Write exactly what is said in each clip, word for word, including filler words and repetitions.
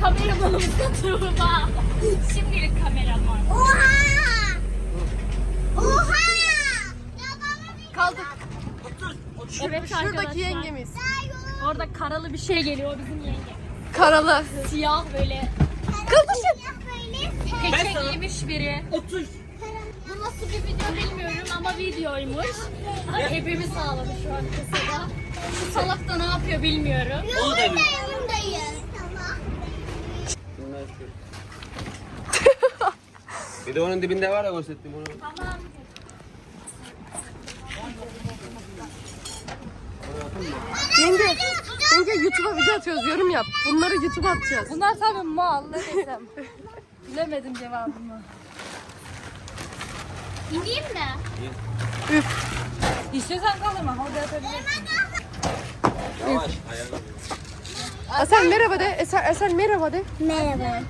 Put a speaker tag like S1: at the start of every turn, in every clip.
S1: kameramanımız da Tuğba. Şimdilik kameraman.
S2: Oha! Oha!
S3: Kaldık.
S1: Evet
S3: Şuradaki
S1: arkadaşlar.
S3: yengemiz.
S1: Orada karalı bir şey geliyor bizim yenge.
S3: Karalı.
S1: Siyah böyle
S3: Kaldırın.
S1: peçe giymiş biri. Otur. Bu nasıl bir video bilmiyorum ama videoymuş. Hepimiz sağladı şu an kasada. Şu salak da ne yapıyor bilmiyorum.
S2: Yanındayım. Tamam.
S4: Bir de onun dibinde var ya gösterdim onu.
S1: Tamam.
S3: Yenge. Yenge YouTube'a video atıyoruz. Yorum yap. Bunları YouTube'a atacağız.
S1: Bunlar tabii mal ne desem. Bilemedim cevabımı. İneyim mi?
S3: Üf.
S1: İstiyorsan kalırma. Orada atabilirim.
S4: Yavaş ayağını.
S3: Asel merhaba de. Eser, Eser merhaba de.
S2: Merhaba.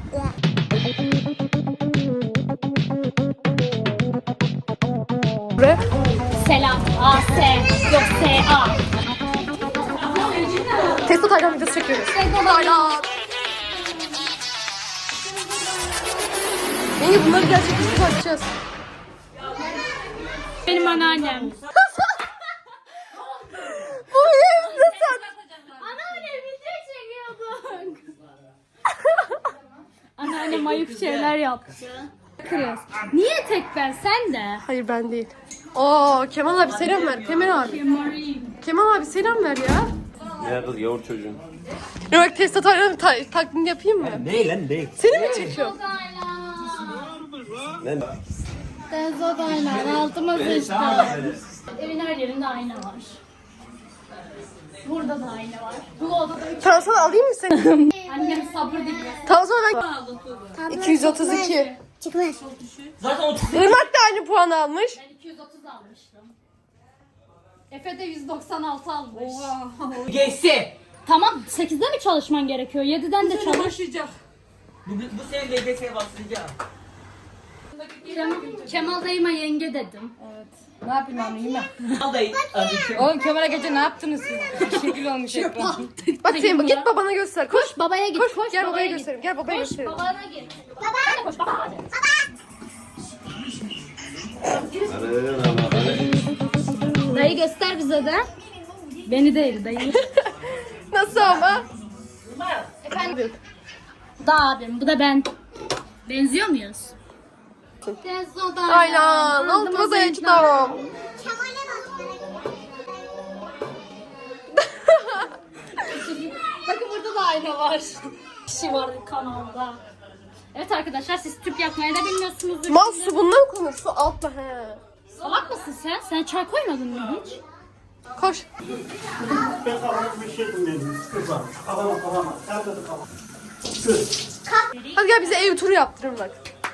S3: Buraya.
S1: Selam. A S yok S A.
S3: Testo Taylan videosu çekiyoruz. Testo Taylan. Yenge bunları gerçekten YouTube'a atacağız.
S1: Benim anneannem.
S3: Bu evde sen.
S1: Anneannem video çekiyorduk. Anneannem ayıp şeyler yaptı. Kırıyoruz. Niye tek ben sen de?
S3: Hayır ben değil. Oo Kemal abi selam ver. Kemal abi. Kemal abi selam ver ya.
S4: Ne kız yavur çocuğun.
S3: Ya bak Testo Taylan'ın ta- taklidini yapayım mı?
S4: Ne lan ne?
S3: Seni mi çekiyorum?
S4: Ne?
S1: Tezodaylar altıma sıçtı. Evin her yerinde ayna var. Burada da ayna var. Bu odada
S3: Tamam sana alayım mı seni?
S1: annem sabır diliyor.
S3: Tamam sonra ben iki yüz otuz iki.
S2: Çıkmaz.
S3: Irmak da aynı puan almış.
S1: Ben iki yüz otuz almıştım. Efe de yüz doksan altı almış.
S5: Geçse.
S1: Tamam sekizde mi çalışman gerekiyor? yediden de çalış.
S5: Başlayacak. Bu, bu sene L G S'ye başlayacağım.
S1: Kemal, Kemal dayıma yenge dedim.
S6: Ne yapayım abi yine?
S5: Vallahi abi.
S6: Oğlum Kemal'e gece ne yaptınız siz? Şekil olmuş ekran.
S3: Bak sen git babana göster. Koş.
S1: Koş babaya git.
S3: Koş.
S1: Koş,
S3: Gel babaya
S1: git.
S3: göstereyim. Gel babaya
S1: Koş
S3: göstereyim.
S1: babana git. Baba. Koş baba. Dayı göster bize de. Beni değil dayı.
S3: Nasıl ama?
S1: Efendim. Bu da abim, bu da ben. Benziyor muyuz? Benziyor.
S3: Aynen. Altıma dayancı tamam.
S2: Kemal'e bak.
S1: Bakın burada da ayna var. Kişi var kanalda. Evet arkadaşlar siz tüp yakmayı da bilmiyorsunuzdur.
S3: Mal su bundan mı konur? Su altta he.
S1: Salak mısın sen? Sen çay koymadın mı hiç?
S3: Koş. Hadi gel bize ev turu yaptırın bak.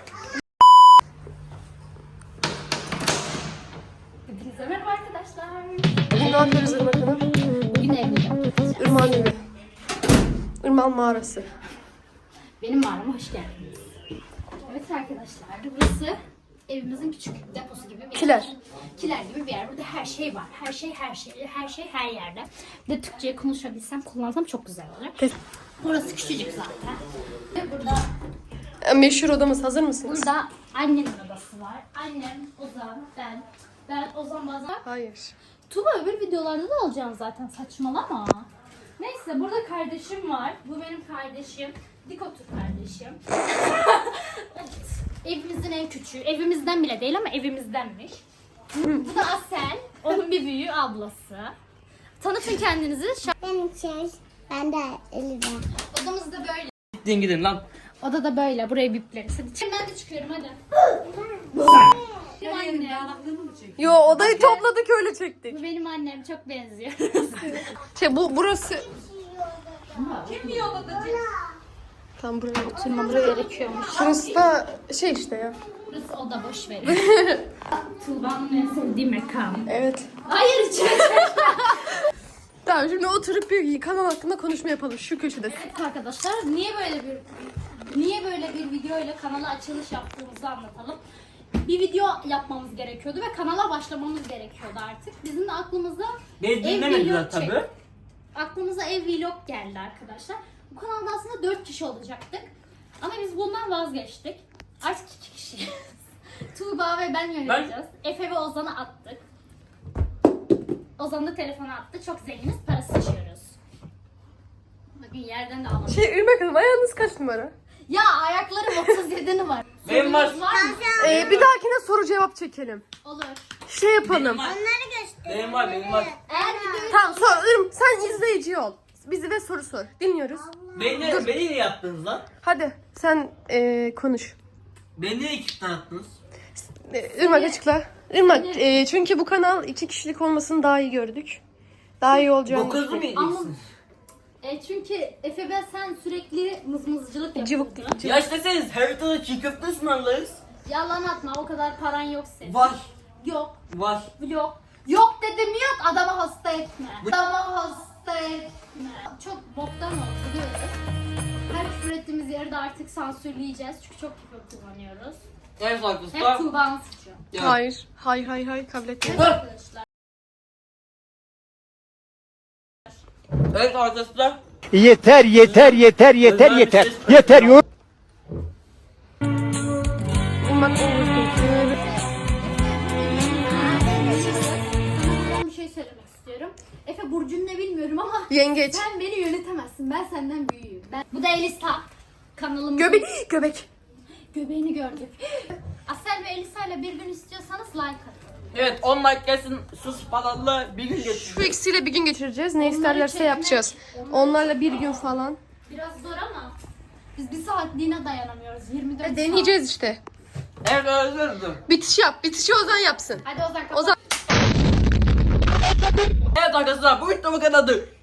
S1: Hepinize merhaba arkadaşlar.
S3: Bugün ne yapıyoruz Irmak Hanım?
S1: Bugün evde yapacağız.
S3: Irmak'ın evi. Irmak'ın mağarası.
S1: Benim mağarama hoş geldiniz. Evet arkadaşlar burası evimizin küçük deposu gibi bir yer.
S3: Kiler.
S1: Kiler gibi bir yer. Burada her şey var. Her şey her şey. Her şey her yerde. Bir de Türkçe'yi konuşabilsem kullansam çok güzel olur. Burası küçücük zaten. Ve burada
S3: Meşhur odamız. Hazır mısınız?
S1: burada annemin odası var. Annem, Ozan, ben. Ben Ozan bazen.
S3: Hayır.
S1: Tuba öbür videolarda da alacaksın zaten saçmalama. Neyse burada kardeşim var. Bu benim kardeşim. Dik otur kardeşim. Evet. Evimizin en küçüğü. Evimizden bile değil ama evimizdenmiş. Bu da Asel. Onun bir büyüğü ablası. Tanıtın kendinizi. Şa-
S2: Ben içer. Ben de elime.
S1: Odamız da böyle.
S5: Gidin gidin lan.
S1: Oda da böyle. Burayı bipleriz. Hadi. Ben de çıkıyorum hadi. Benim annem.
S3: Yo odayı topladık öyle çektik.
S1: Bu benim annem. Çok benziyor.
S3: Şey bu burası. Tam buraya oturmam
S1: gerekiyormuş.
S3: Burası da şey işte ya.
S1: Burası oda boş verin. Tuğba'nın en sevdiği mekan.
S3: Evet.
S1: Hayır içime.
S3: Tamam şimdi oturup bir kanal hakkında konuşma yapalım şu köşede.
S1: Evet arkadaşlar niye böyle bir niye böyle bir video ile kanala açılış yaptığımızı anlatalım. Bir video yapmamız gerekiyordu ve kanala başlamamız gerekiyordu artık. Bizim de aklımıza
S5: Beni
S1: ev
S5: dinlemediler
S1: vlog
S5: tabii.
S1: çek- Aklımıza ev vlog geldi arkadaşlar. Bu kanalda aslında dört kişi olacaktık. Ama biz bundan vazgeçtik. Artık iki kişiyiz. Tuğba ve ben yöneteceğiz. Efe ve Ozan'ı attık. Ozan da telefonu attı. Çok zenginiz, para sıçıyoruz. Bugün yerden de alamadım.
S3: Şey Irmak Hanım ayağınız kaç numara?
S1: Ya ayaklarım otuz yedi numara.
S5: Benim var.
S1: Sorunuz var mı?
S3: Ee, bir dahakine soru cevap çekelim.
S1: Olur.
S3: Şey yapalım.
S5: Benim var.
S2: Onları göster.
S5: Benim var, benim var.
S1: Eğer videoyu
S3: Tamam sor. Irm, sen izleyici ol. Bizi de soru sor. Dinliyoruz.
S5: Beni de, beni de yaptınız lan.
S3: Hadi sen ee, konuş.
S5: Beni de ekipten attınız.
S3: Ee, Irmak açıkla. Irmak ee, çünkü bu kanal iki kişilik olmasını daha iyi gördük. Daha iyi olacağını
S5: Dokuzlu mu
S3: düşünüyorum.
S5: yiyeceksiniz?
S1: E çünkü Efe ve sen sürekli mızmızcılık
S3: Cıvık
S1: yapıyordun.
S3: değil.
S5: Ya işte siz her haftada çiğ köfte ısmarlarız.
S1: Yalan atma, o kadar paran yok senin.
S5: Var.
S1: Yok,
S5: Var.
S1: yok. Yok dedim yok, adamı hasta etme. Adamı hasta etme. Çok boktan oldu biliyoruz. Her küfür ettiğimiz yeri de artık sansürleyeceğiz. Çünkü çok küfür kullanıyoruz.
S5: Evet
S1: Hep
S5: arkadaşlar.
S1: Tuğba'nın suçu.
S5: Ya.
S3: Hayır. Hayır hayır hayır kabul etmiyorum.
S1: Evet arkadaşlar.
S5: Evet arkadaşlar.
S7: Yeter yeter yeter yeter yeter. Yeter yok.
S3: Irmak overthinker.
S1: Ben bir şey söylemek istiyorum. Efe burcun ne bilmiyorum ama
S3: Yengeç.
S1: sen beni yönetemezsin. Ben senden büyüğüm. Ben... Bu da Elisa. Kanalımın
S3: Göbek. Göbek.
S1: göbeğini gördük. Asel ve Elisa ile bir gün istiyorsanız like atın.
S5: Evet on like gelsin sus pahalı bir gün
S3: Şu
S5: geçsin.
S3: ikisiyle bir gün geçireceğiz. Ne
S1: Onları
S3: isterlerse
S1: çekmek-
S3: yapacağız.
S1: onları-
S3: Onlarla bir gün falan.
S1: Biraz zor ama biz bir saatliğine dayanamıyoruz. yirmi dört
S3: E, deneyeceğiz işte.
S5: Evet özür dilerim.
S3: Bitiş yap. Bitişi Ozan yapsın.
S1: Saat. Hadi Ozan kapat.
S3: Ozan.
S5: Evet arkadaşlar bu videomu kanadı.